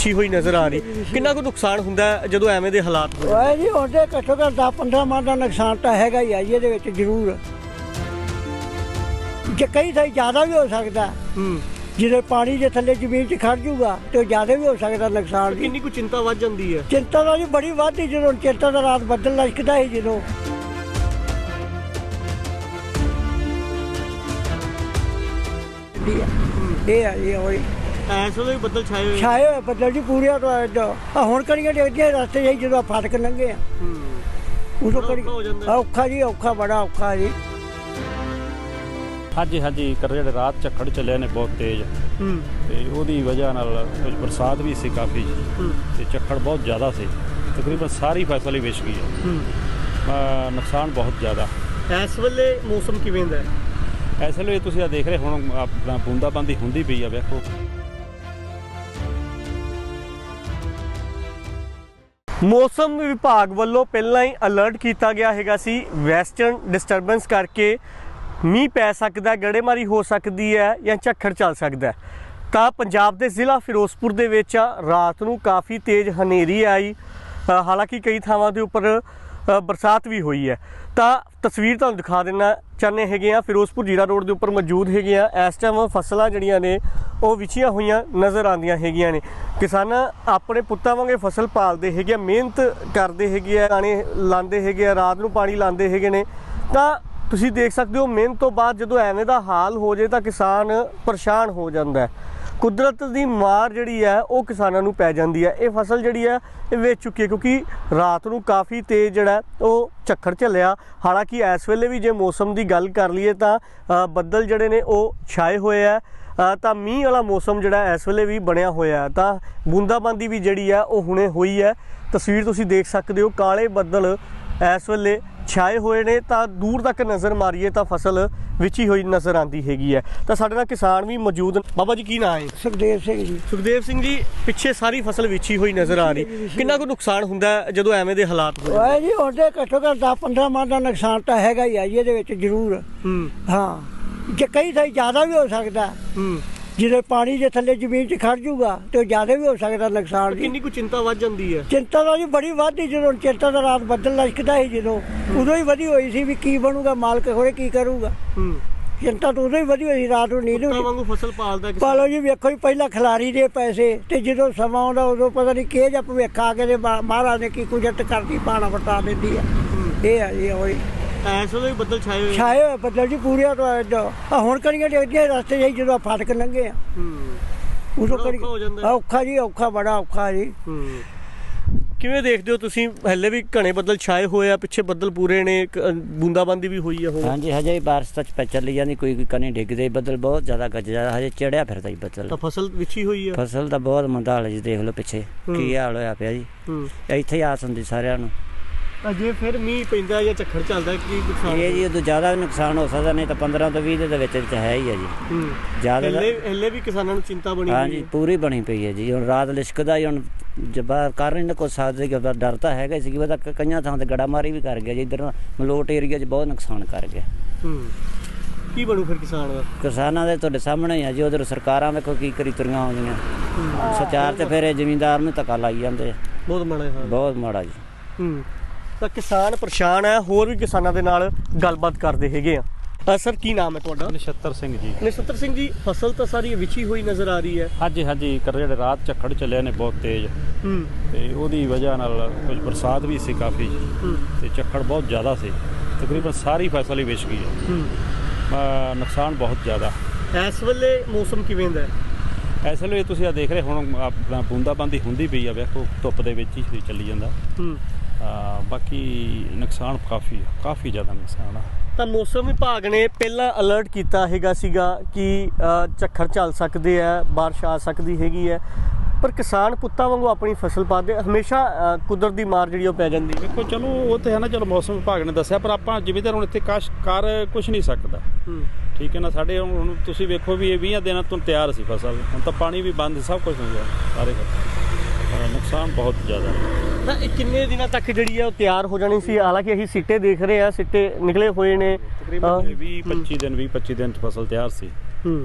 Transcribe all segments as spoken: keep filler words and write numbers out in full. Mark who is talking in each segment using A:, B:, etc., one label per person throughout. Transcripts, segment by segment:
A: अच्छी हुई नज़र आ रही कितना को नुकसान हुंदा है ਜਦੋਂ ਐਵੇਂ ਦੇ ਹਾਲਾਤ ਹੋ
B: ਓਏ ਜੀ ਹੁਣ ਤੇ ਘੱਟੋ ਘੱਟ ਦਸ ਪੰਦਰਾਂ ਮਣ ਦਾ ਨੁਕਸਾਨ ਤਾਂ ਹੈਗਾ ਹੀ ਆ ਜੀ ਇਹਦੇ ਵਿੱਚ ਜ਼ਰੂਰ ਜੇ ਕਈ ਥਾਈ ਜ਼ਿਆਦਾ ਵੀ ਹੋ ਸਕਦਾ
A: ਹੂੰ
B: ਜਦੋਂ ਪਾਣੀ ਦੇ ਥੱਲੇ ਜ਼ਮੀਨ 'ਚ ਖੜ ਜੂਗਾ ਤੇ ਜ਼ਿਆਦਾ ਵੀ ਹੋ ਸਕਦਾ ਨੁਕਸਾਨ ਜੀ
A: ਕਿੰਨੀ ਕੁ ਚਿੰਤਾ ਵੱਧ ਜਾਂਦੀ ਹੈ
B: ਚਿੰਤਾ ਤਾਂ ਜੀ ਬੜੀ ਵੱਧਦੀ ਜਦੋਂ ਚਿੰਤਾ ਦਾ ਰਾਤ ਬੱਦਲ ਲਸ਼ਕਦਾ ਸੀ ਜਦੋਂ ਇਹ ਆ ਜੀ ਹੋਈ
A: ਐਸ ਵੇਲੇ ਵੀ ਬੱਦਲ ਛਾਏ ਹੋਏ
B: ਛਾਏ ਹੋਏ ਬੱਦਲ ਜੀ ਪੂਰੇ ਆ ਹੁਣ ਕਣੀਆਂ ਡਿੱਗਦੀਆਂ ਰਸਤੇ 'ਚ ਜਦੋਂ ਫਾਟਕ ਲੰਘੇ ਆ
A: ਹੂੰ
B: ਉਦੋਂ ਕਣੀ
A: ਔਖਾ ਹੋ ਜਾਂਦਾ।
B: ਔਖਾ ਜੀ ਔਖਾ ਬੜਾ ਔਖਾ ਜੀ
C: ਹਾਂਜੀ ਹਾਂਜੀ ਕਰ ਜਿਹੜੇ ਰਾਤ ਝੱਖੜ ਚੱਲੇ ਨੇ ਬਹੁਤ ਤੇਜ਼
A: ਹੂੰ
C: ਤੇ ਉਹਦੀ ਵਜ੍ਹਾ ਨਾਲ ਕੁਝ ਬਰਸਾਤ ਵੀ ਸੀ ਕਾਫੀ
A: ਹੂੰ
C: ਤੇ ਝੱਖੜ ਬਹੁਤ ਜ਼ਿਆਦਾ ਸੀ ਤਕਰੀਬਨ ਸਾਰੀ ਫਸਲ ਹੀ ਵਿਛ ਗਈ ਹੈ
A: ਹੂੰ
C: ਅਹ ਨੁਕਸਾਨ ਬਹੁਤ ਜ਼ਿਆਦਾ
A: ਇਸ ਵੇਲੇ ਮੌਸਮ ਕਿਵੇਂ ਦਾ ਹੈ
C: ਇਸ ਵੇਲੇ ਤੁਸੀਂ ਆ ਦੇਖ ਰਹੇ ਹੁਣ ਆਪਣਾ ਬੂੰਦਾਬਾਂਦੀ ਹੁੰਦੀ ਪਈ ਆ ਵੇਖੋ
A: ਮੌਸਮ ਵਿਭਾਗ ਵੱਲੋਂ ਪਹਿਲਾਂ ਹੀ ਅਲਰਟ ਕੀਤਾ ਗਿਆ ਹੈਗਾ ਸੀ ਵੈਸਟਰਨ ਡਿਸਟਰਬੈਂਸ ਕਰਕੇ ਮੀਂਹ ਪੈ ਸਕਦਾ ਗੜੇਮਾਰੀ ਹੋ ਸਕਦੀ ਹੈ ਜਾਂ ਝੱਖੜ ਚੱਲ ਸਕਦਾ ਤਾਂ ਪੰਜਾਬ ਦੇ ਜ਼ਿਲ੍ਹਾ ਫਿਰੋਜ਼ਪੁਰ ਦੇ ਵਿੱਚ ਰਾਤ ਨੂੰ ਕਾਫੀ ਤੇਜ਼ ਹਨੇਰੀ ਆਈ ਅ, ਹਾਲਾਂਕਿ ਕਈ ਥਾਵਾਂ ਦੇ ਉੱਪਰ ਅ, ਬਰਸਾਤ ਵੀ ਹੋਈ ਹੈ ਤਾਂ ਤਸਵੀਰ ਤੁਹਾਨੂੰ ਦਿਖਾ ਦੇਣਾ ਚਾਹੁੰਦੇ ਹੈਗੇ ਆ ਫਿਰੋਜ਼ਪੁਰ ਜੀਰਾ ਰੋਡ ਦੇ ਉੱਪਰ ਮੌਜੂਦ ਹੈਗੇ ਆ ਇਸ ਟਾਈਮ ਫਸਲਾਂ ਜਿਹੜੀਆਂ ਨੇ ਉਹ ਵਿਛੀਆਂ ਹੋਈਆਂ ਨਜ਼ਰ ਆਉਂਦੀਆਂ ਹੈਗੀਆਂ ਨੇ ਕਿਸਾਨ ਆਪਣੇ ਪੁੱਤਾਂ ਵਾਂਗੇ ਫਸਲ ਪਾਲਦੇ ਹੈਗੇ ਆ ਮਿਹਨਤ ਕਰਦੇ ਹੈਗੇ ਆ ਪਾਣੀ ਲਾਉਂਦੇ ਹੈਗੇ ਆ ਰਾਤ ਨੂੰ ਪਾਣੀ ਲਾਉਂਦੇ ਹੈਗੇ ਨੇ ਤਾਂ ਤੁਸੀਂ ਦੇਖ ਸਕਦੇ ਹੋ ਮਿਹਨਤ ਤੋਂ ਬਾਅਦ ਜਦੋਂ ਐਵੇਂ ਦਾ ਹਾਲ ਹੋ ਜਾਏ ਤਾਂ ਕਿਸਾਨ ਪਰੇਸ਼ਾਨ ਹੋ ਜਾਂਦਾ ਹੈ ਕੁਦਰਤ ਦੀ ਮਾਰ ਜਿਹੜੀ ਹੈ ਉਹ ਕਿਸਾਨਾਂ ਨੂੰ ਪੈ ਜਾਂਦੀ ਹੈ ਇਹ ਫਸਲ ਜਿਹੜੀ ਹੈ ਇਹ ਵੇਚ ਚੁੱਕੀ ਹੈ ਕਿਉਂਕਿ ਰਾਤ ਨੂੰ ਕਾਫੀ ਤੇਜ਼ ਜਿਹੜਾ ਉਹ ਝੱਖੜ ਝੱਲਿਆ ਹਾਲਾਂਕਿ ਇਸ ਵੇਲੇ ਵੀ ਜੇ ਮੌਸਮ ਦੀ ਗੱਲ ਕਰ ਲਈਏ ਤਾਂ ਬੱਦਲ ਜਿਹੜੇ ਨੇ ਉਹ ਛਾਏ ਹੋਏ ਆ ਤਾਂ ਮੀਂਹ ਵਾਲਾ ਮੌਸਮ ਜਿਹੜਾ ਇਸ ਵੇਲੇ ਵੀ ਬਣਿਆ ਹੋਇਆ ਤਾਂ ਬੂੰਦਾਬਾਂਦੀ ਵੀ ਜਿਹੜੀ ਹੈ ਉਹ ਹੁਣੇ ਹੋਈ ਹੈ ਤਸਵੀਰ ਤੁਸੀਂ ਦੇਖ ਸਕਦੇ ਹੋ ਕਾਲੇ ਬੱਦਲ ਇਸ ਵੇਲੇ ਛਾਏ ਹੋਏ ਨੇ ਤਾਂ ਦੂਰ ਤੱਕ ਨਜ਼ਰ ਮਾਰੀਏ ਤਾਂ ਫਸਲ ਵਿਛੀ ਹੋਈ ਨਜ਼ਰ ਆਉਂਦੀ ਹੈਗੀ ਹੈ ਤਾਂ ਸਾਡੇ ਨਾਲ ਕਿਸਾਨ ਵੀ ਮੌਜੂਦ ਬਾਬਾ ਜੀ ਕੀ ਨਾਂ ਹੈ
B: ਸੁਖਦੇਵ ਸਿੰਘ ਜੀ
A: ਸੁਖਦੇਵ ਸਿੰਘ ਜੀ ਪਿੱਛੇ ਸਾਰੀ ਫਸਲ ਵਿਛੀ ਹੋਈ ਨਜ਼ਰ ਆ ਰਹੀ ਕਿੰਨਾ ਕੁ ਨੁਕਸਾਨ ਹੁੰਦਾ ਹੈ ਜਦੋਂ ਐਵੇਂ ਦੇ ਹਾਲਾਤ ਹੋ
B: ਓਏ ਜੀ ਹੁਣ ਤੇ ਘੱਟੋ ਘੱਟ ਦਸ ਪੰਦਰਾਂ ਮਣ ਦਾ ਨੁਕਸਾਨ ਤਾਂ ਹੈਗਾ ਹੀ ਆ ਜੀ ਇਹਦੇ ਵਿੱਚ ਜ਼ਰੂਰ
A: ਹੂੰ
B: ਹਾਂ ਜੇ ਕਈ ਥਾਈ ਜ਼ਿਆਦਾ ਵੀ ਹੋ ਸਕਦਾ
A: ਹੂੰ
B: ਜਦੋਂ ਪਾਣੀ ਦੇ ਥੱਲੇ ਜ਼ਮੀਨ 'ਚ ਖੜ ਜੂਗਾ ਤੇ ਜ਼ਿਆਦਾ ਵੀ ਹੋ ਸਕਦਾ ਨੁਕਸਾਨ ਜੀ
A: ਕਿੰਨੀ ਕੁ ਚਿੰਤਾ ਵੱਧ ਜਾਂਦੀ ਹੈ
B: ਚਿੰਤਾ ਤਾਂ ਜੀ ਬੜੀ ਵੱਧਦੀ ਜਦੋਂ ਚਿੰਤਾ ਦਾ ਰਾਤ ਬੱਦਲ ਲਸ਼ਕਦਾ ਸੀ ਜਦੋਂ ਉਦੋਂ ਹੀ ਵਧੀ ਹੋਈ ਸੀ ਵੀ ਕੀ ਬਣੂਗਾ ਮਾਲਕ ਹੋਰੇ ਕੀ ਕਰੂਗਾ
A: ਹੂੰ
B: ਚਿੰਤਾ ਤਾਂ ਉਦੋਂ ਹੀ ਵਧੀ ਹੋਈ ਰਾਤ ਨੂੰ ਨੀਂਦ
A: ਪੁੱਤਾਂ ਵਾਂਗੂ ਫਸਲ ਪਾਲਦਾ
B: ਪਾਲੋ ਜੀ ਵੇਖੋ ਜੀ ਪਹਿਲਾਂ ਖਿਲਾਰੀ ਦੇ ਪੈਸੇ ਤੇ ਜਦੋਂ ਸਮਾਂ ਆਉਂਦਾ ਉਦੋਂ ਪਤਾ ਨਹੀਂ ਕਿਹ ਜਾਂ ਭਵਿੱਖ ਆ ਕੇ ਤੇ ਮਹਾਰਾਜ ਨੇ ਕੀ ਕੁਦਰਤ ਕਰਦੀ ਪਾਣਾ ਵਟਾ ਦਿੰਦੀ ਆ ਇਹ ਆ ਜੀ ਹੋਈ
A: ਐਸ ਵੇਲੇ ਵੀ ਬੱਦਲ ਛਾਏ ਹੋਏ
B: ਛਾਏ ਹੋਏ ਬੱਦਲ ਜੀ ਪੂਰੇ ਆ ਹੁਣ ਕਣੀਆਂ ਡਿੱਗਦੀਆਂ ਰਸਤੇ 'ਚ ਜਦੋਂ ਫਾਟਕ ਲੰਘੇ ਆ
A: ਹੂੰ
B: ਉਦੋਂ
A: ਬੜਾ
B: ਕਣੀ
A: ਔਖਾ ਹੋ ਜਾਂਦਾ।
B: ਔਖਾ ਜੀ ਔਖਾ ਬੜਾ ਔਖਾ ਜੀ
A: ਹੂੰ ਕਿਵੇਂ ਦੇਖਦੇ ਹੋ ਤੁਸੀਂ ਹਲੇ ਵੀ ਘਣੇ ਬੱਦਲ ਛਾਏ ਹੋਏ ਆ ਪਿੱਛੇ ਬੱਦਲ ਪੂਰੇ ਨੇ ਬੂੰਦਾਬਾਂਦੀ ਵੀ ਹੋਈ ਆ ਹੁਣ
D: ਹਾਂਜੀ ਹਜੇ ਬਾਰਿਸ਼ ਤਾਂ ਪੈ ਚੱਲੀ ਜਾਂਦੀ ਕੋਈ ਕੋਈ ਕਣੀ ਡਿੱਗਦੇ ਬੱਦਲ ਬਹੁਤ ਜ਼ਿਆਦਾ ਗੱਜਦਾ ਹਜੇ ਚੜਿਆ ਫਿਰਦਾ ਹੀ ਬੱਦਲ
A: ਤਾਂ ਫਸਲ ਵਿਛੀ ਹੋਈ ਆ
D: ਫਸਲ ਤਾਂ ਬਹੁਤ ਮੰਦਾ ਹਾਲ ਜੀ ਦੇਖ ਲਓ ਪਿੱਛੇ ਕੀ ਹਾਲ ਹੋਇਆ ਪਿਆ ਜੀ
A: ਹੂੰ
D: ਇੱਥੇ ਹੀ ਆਸ ਹੁੰਦੀ ਸਾਰਿਆਂ ਨੂੰ
A: ਤਾਂ ਜੇ ਫਿਰ ਮੀਂਹ ਪੈਂਦਾ ਜਾਂ ਝੱਖੜ ਚੱਲਦਾ ਕੀ ਨੁਕਸਾਨ
D: ਇਹ ਜੀ ਉਦੋਂ ਜ਼ਿਆਦਾ ਵੀ ਨੁਕਸਾਨ ਹੋ ਸਕਦਾ ਨਹੀਂ ਤਾਂ ਪੰਦਰਾਂ ਤੋਂ ਵੀਹ ਦੇ ਵਿੱਚ ਵਿੱਚ ਹੈ ਹੀ ਹੈ ਜੀ
A: ਹੂੰ
D: ਜ਼ਿਆਦਾ
A: ਹਲੇ ਹਲੇ ਵੀ ਕਿਸਾਨਾਂ ਨੂੰ ਚਿੰਤਾ ਬਣੀ ਹੋਈ
D: ਹਾਂਜੀ
A: ਹੈ
D: ਪੂਰੀ ਬਣੀ ਪਈ ਹੈ ਜੀ ਹੁਣ ਰਾਤ ਲਿਸ਼ਕਦਾ ਹੀ ਹੁਣ ਜਬਾ ਕਰ ਨਹੀਂ ਕੁਛ ਸਕਦੇ ਕਿ ਡਰ ਤਾਂ ਹੈਗਾ ਸੀ ਕਿ ਉਹਦਾ ਕਈਆਂ ਥਾਂ ਤੇ ਗੜਾਮਾਰੀ ਵੀ ਕਰ ਗਿਆ ਜੀ ਇੱਧਰ ਮਲੋਟ ਏਰੀਆ 'ਚ ਬਹੁਤ ਨੁਕਸਾਨ ਕਰ ਗਿਆ
A: ਹੂੰ ਕੀ ਬਣੂ ਫਿਰ ਕਿਸਾਨ ਦਾ
D: ਕਿਸਾਨਾਂ ਦੇ ਤੁਹਾਡੇ ਸਾਹਮਣੇ ਹੀ ਆ ਜੀ ਉਧਰ ਸਰਕਾਰਾਂ ਵੇਖੋ ਕੀ ਕਰੀ ਤੁਰੀਆਂ ਆਉਂਦੀਆਂ ਸਚਾਰ ਤੇ ਫਿਰ ਇਹ ਜ਼ਿਮੀਂਦਾਰ ਨੂੰ ਧੱਕਾ ਲਾਈ ਜਾਂਦੇ
A: ਬਹੁਤ ਮਾੜਾ ਹਾਲ
D: ਬਹੁਤ ਮਾੜਾ ਜੀ
A: ਹੂੰ ਤਾਂ ਕਿਸਾਨ ਪਰੇਸ਼ਾਨ ਹੈ ਹੋਰ ਵੀ ਕਿਸਾਨਾਂ ਦੇ ਨਾਲ ਗੱਲਬਾਤ ਕਰਦੇ ਹੈਗੇ ਆ ਅ, ਸਰ ਕੀ ਨਾਮ ਹੈ ਤੁਹਾਡਾ
C: ਨਛੱਤਰ ਸਿੰਘ ਜੀ
A: ਨਛੱਤਰ ਸਿੰਘ ਜੀ ਫਸਲ ਤਾਂ ਸਾਰੀ ਵਿਛੀ ਹੋਈ ਨਜ਼ਰ ਆ ਰਹੀ ਹੈ
C: ਹਾਂਜੀ ਹਾਂਜੀ ਕਰ ਜਿਹੜੇ ਰਾਤ ਝੱਖੜ ਚੱਲੇ ਨੇ ਬਹੁਤ ਤੇਜ਼
A: ਹੂੰ
C: ਤੇ ਉਹਦੀ ਵਜ੍ਹਾ ਨਾਲ ਕੁਝ ਬਰਸਾਤ ਵੀ ਸੀ ਕਾਫੀ
A: ਹੂੰ
C: ਤੇ ਝੱਖੜ ਬਹੁਤ ਜ਼ਿਆਦਾ ਸੀ ਤਕਰੀਬਨ ਸਾਰੀ ਫਸਲ ਹੀ ਵਿਛ ਗਈ ਹੈ
A: ਹੂੰ
C: ਅਹ ਨੁਕਸਾਨ ਬਹੁਤ ਜ਼ਿਆਦਾ
A: ਇਸ ਵੇਲੇ ਮੌਸਮ ਕਿਵੇਂ ਦਾ ਹੈ
C: ਇਸ ਵੇਲੇ ਤੁਸੀਂ ਆ ਦੇਖ ਰਹੇ ਹੁਣ ਆਪਣਾ ਬੂੰਦਾਬਾਂਦੀ ਹੁੰਦੀ ਪਈ ਆ ਵੇਖੋ ਧੁੱਪ ਦੇ ਵਿੱਚ ਹੀ ਚੱਲੀ ਜਾਂਦਾ
A: ਹੂੰ
C: ਅਹ ਬਾਕੀ ਨੁਕਸਾਨ ਕਾਫੀ ਆ ਕਾਫੀ ਜ਼ਿਆਦਾ ਨੁਕਸਾਨ ਆ
A: ਤਾਂ ਮੌਸਮ ਵਿਭਾਗ ਨੇ ਪਹਿਲਾਂ ਅਲਰਟ ਕੀਤਾ ਹੈਗਾ ਸੀਗਾ ਕਿ ਅ, ਝੱਖੜ ਚੱਲ ਸਕਦੇ ਆ ਬਾਰਿਸ਼ ਆ ਸਕਦੀ ਹੈਗੀ ਹੈ ਪਰ ਕਿਸਾਨ ਪੁੱਤਾਂ ਵਾਂਗੂ ਆਪਣੀ ਫਸਲ ਪਾਦੇ ਹਮੇਸ਼ਾ ਅ, ਕੁਦਰਤ ਦੀ ਮਾਰ ਜਿਹੜੀ ਉਹ ਪੈ ਜਾਂਦੀ ਹੈ
C: ਦੇਖੋ ਚਲੋ ਉਹ ਤੇ ਹੈ ਨਾ ਚਲੋ ਮੌਸਮ ਵਿਭਾਗ ਨੇ ਦੱਸਿਆ ਪਰ ਆਪਾਂ ਜ਼ਿਮੀਂਦਾਰ ਹੁਣ ਇੱਥੇ ਕਾਸ਼ ਕਰ ਕੁਝ ਨਹੀਂ ਸਕਦਾ
A: ਹੂੰ
C: ਠੀਕ ਹੈ ਨਾ ਸਾਡੇ ਹੁਣ ਤੁਸੀਂ ਵੇਖੋ ਵੀ ਇਹ ਵੀਹ ਦਿਨਾਂ ਤੋਂ ਤਿਆਰ ਸੀ ਫਸਲ ਹੁਣ ਤਾਂ ਪਾਣੀ ਵੀ ਬੰਦ ਸਭ ਕੁਝ ਹੋ ਗਿਆ ਸਾਰੇ ਪਾਸੇ ਨੁਕਸਾਨ ਬਹੁਤ ਜ਼ਿਆਦਾ
A: ਤਾਂ ਇਹ ਕਿੰਨੇ ਦਿਨਾਂ ਤੱਕ ਜਿਹੜੀ ਹੈ ਉਹ ਤਿਆਰ ਹੋ ਜਾਣੀ ਸੀ ਹਾਲਾਂਕਿ ਅਸੀਂ ਸਿੱਟੇ ਦੇਖ ਰਹੇ ਆ ਸਿੱਟੇ ਨਿਕਲੇ ਹੋਏ ਨੇ
C: ਤਕਰੀਬਨ ਵੀਹ ਪੱਚੀ ਦਿਨ ਵੀਹ ਪੱਚੀ ਦਿਨ 'ਚ ਫਸਲ ਤਿਆਰ ਸੀ
A: ਹੂੰ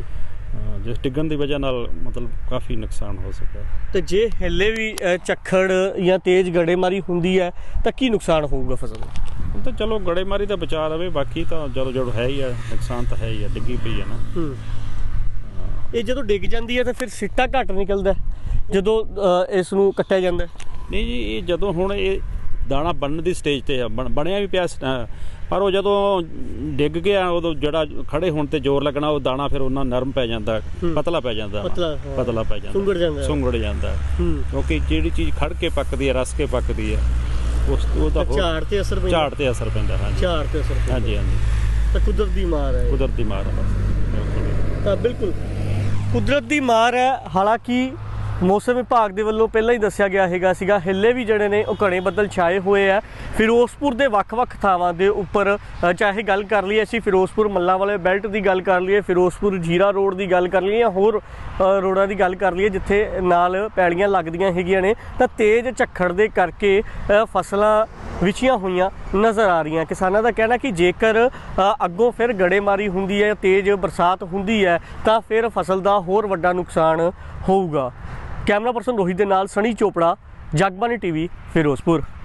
C: ਹਾਂ, ਜਿਸ ਡਿੱਗਣ ਦੀ ਵਜ੍ਹਾ ਨਾਲ ਮਤਲਬ ਕਾਫੀ ਨੁਕਸਾਨ ਹੋ ਸਕਿਆ।
A: ਤੇ ਜੇ ਹੱਲੇ ਵੀ ਅ, ਝੱਖੜ ਜਾਂ ਤੇਜ਼ ਗੜੇਮਾਰੀ ਹੁੰਦੀ ਹੈ ਤਾਂ ਕੀ ਨੁਕਸਾਨ ਹੋਊਗਾ ਫਸਲ ਦਾ?
C: ਹੁਣ ਤਾਂ ਚਲੋ ਗੜੇਮਾਰੀ ਦਾ ਬਚਾ ਰਵੇ, ਬਾਕੀ ਤਾਂ ਜਦੋਂ ਜਦੋਂ ਹੈ ਹੀ ਆ, ਨੁਕਸਾਨ ਤਾਂ ਹੈ ਹੀ ਆ, ਡਿੱਗੀ ਪਈ ਆ ਨਾ।
A: ਹੂੰ ਇਹ ਜਦੋਂ ਡਿੱਗ ਜਾਂਦੀ ਹੈ ਤਾਂ ਫਿਰ ਸਿੱਟਾ ਘੱਟ ਨਿਕਲਦਾ ਜਦੋਂ ਅ, ਇਸ ਨੂੰ ਕੱਟਿਆ ਜਾਂਦਾ ਹੈ?
C: ਨਹੀਂ ਜੀ, ਇਹ ਜਦੋਂ ਹੁਣ ਇਹ ਦਾਣਾ ਬਣਨ ਦੀ ਸਟੇਜ ਤੇ ਆ, ਬਣ- ਬਣਿਆ ਵੀ ਪਿਆ ਸੀ, ਅ, ਪਰ ਉਹ ਜਦੋਂ ਡਿੱਗ ਗਿਆ ਉਦੋਂ ਜਿਹੜਾ ਖੜੇ ਹੋਣ ਤੇ ਜ਼ੋਰ ਲੱਗਣਾ, ਉਹ ਦਾਣਾ ਫਿਰ ਉਹਨਾਂ ਨਰਮ ਪੈ ਜਾਂਦਾ,
A: ਹੂੰ।
C: ਪਤਲਾ ਪੈ ਜਾਂਦਾ,
A: ਪਤਲਾ, ਹਾਂ।
C: ਪਤਲਾ ਪੈ ਜਾਂਦਾ,
A: ਸੁੰਗੜ ਜਾਂਦਾ ਹੈ।
C: ਸੁੰਗੜ ਜਾਂਦਾ ਹੈ।
A: ਹੂੰ
C: ਕਿਉਂਕਿ ਜਿਹੜੀ ਚੀਜ਼ ਖੜ ਕੇ ਪੱਕਦੀ ਹੈ, ਰਸ ਕੇ ਪੱਕਦੀ ਹੈ, ਉਸ ਉਹਦਾ ਹੋਰ-
A: ਝਾੜ ਤੇ ਅਸਰ ਪੈਂਦਾ?
C: ਝਾੜ ਤੇ ਅਸਰ ਪੈਂਦਾ। ਹਾਂਜੀ
A: ਝਾੜ ਤੇ ਅਸਰ ਪੈਂਦਾ।
C: ਹਾਂਜੀ ਹਾਂਜੀ,
A: ਤਾਂ ਕੁਦਰਤ ਦੀ ਮਾਰ ਹੈ ਇਹ।
C: ਕੁਦਰਤੀ ਮਾਰ ਹੈ ਬਸ, ਬਿਲਕੁਲ।
A: ਤਾਂ ਬਿਲਕੁਲ ਕੁਦਰਤ ਦੀ ਮਾਰ ਹੈ। ਹਾਲਾਂਕਿ ਮੌਸਮ ਵਿਭਾਗ ਦੇ ਵੱਲੋਂ ਪਹਿਲਾਂ ਹੀ ਦੱਸਿਆ ਗਿਆ ਹੈਗਾ ਸੀਗਾ ਹਿੱਲੇ ਵੀ ਜਿਹੜੇ ਨੇ ਉਹ ਘਣੇ ਬੱਦਲ ਛਾਏ ਹੋਏ ਆ। ਫਿਰੋਜ਼ਪੁਰ ਦੇ ਵੱਖ-ਵੱਖ ਥਾਵਾਂ ਦੇ ਉੱਪਰ ਅ, ਚਾਹੇ ਗੱਲ ਕਰ ਲਈਏ ਅਸੀਂ ਫਿਰੋਜ਼ਪੁਰ ਮੱਲਾਂ ਵਾਲੇ ਬੈਲਟ ਦੀ ਗੱਲ ਕਰ ਲਈਏ, ਫਿਰੋਜ਼ਪੁਰ ਜੀਰਾ ਰੋਡ ਦੀ ਗੱਲ ਕਰ ਲਈਏ ਜਾਂ ਹੋਰ ਅ, ਰੋਡਾਂ ਦੀ ਗੱਲ ਕਰ ਲਈਏ ਜਿੱਥੇ ਨਾਲ ਪੈਲੀਆਂ ਲੱਗਦੀਆਂ ਹੈਗੀਆਂ ਨੇ, ਤਾਂ ਤੇਜ਼ ਝੱਖੜ ਦੇ ਕਰਕੇ ਅ, ਫਸਲਾਂ ਵਿਛੀਆਂ ਹੋਈਆਂ ਨਜ਼ਰ ਆ ਰਹੀਆਂ। ਕਿਸਾਨਾਂ ਦਾ ਕਹਿਣਾ ਕਿ ਜੇਕਰ ਅ, ਅੱਗੋਂ ਫਿਰ ਗੜੇਮਾਰੀ ਹੁੰਦੀ ਹੈ, ਤੇਜ਼ ਬਰਸਾਤ ਹੁੰਦੀ ਹੈ ਤਾਂ ਫਿਰ ਫਸਲ ਦਾ ਹੋਰ ਵੱਡਾ ਨੁਕਸਾਨ ਹੋਊਗਾ। ਕੈਮਰਾ ਪਰਸਨ ਰੋਹਿਤ ਦੇ ਨਾਲ ਸਣੀ ਚੋਪੜਾ, ਜਗਬਾਣੀ ਟੀਵੀ, ਫਿਰੋਜ਼ਪੁਰ।